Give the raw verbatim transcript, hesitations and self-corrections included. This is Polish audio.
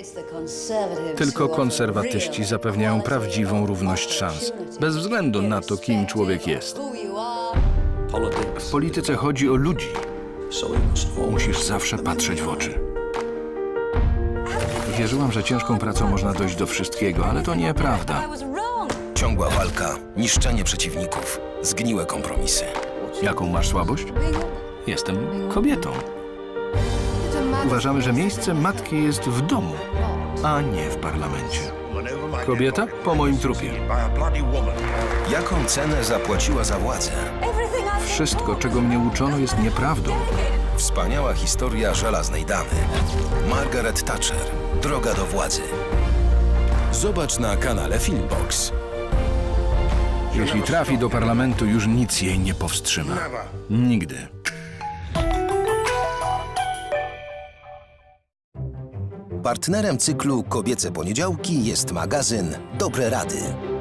Tylko konserwatyści zapewniają prawdziwą równość szans, bez względu na to, kim człowiek jest. W polityce chodzi o ludzi. Musisz zawsze patrzeć w oczy. Wierzyłam, że ciężką pracą można dojść do wszystkiego, ale to nieprawda. Ciągła walka, niszczenie przeciwników, zgniłe kompromisy. Jaką masz słabość? Jestem kobietą. Uważamy, że miejsce matki jest w domu, a nie w parlamencie. Kobieta po moim trupie. Jaką cenę zapłaciła za władzę? Wszystko, czego mnie uczono, jest nieprawdą. Wspaniała historia żelaznej damy. Margaret Thatcher. Droga do władzy. Zobacz na kanale Filmbox. Jeśli trafi do parlamentu, już nic jej nie powstrzyma. Nigdy. Partnerem cyklu Kobiece Poniedziałki jest magazyn Dobre Rady.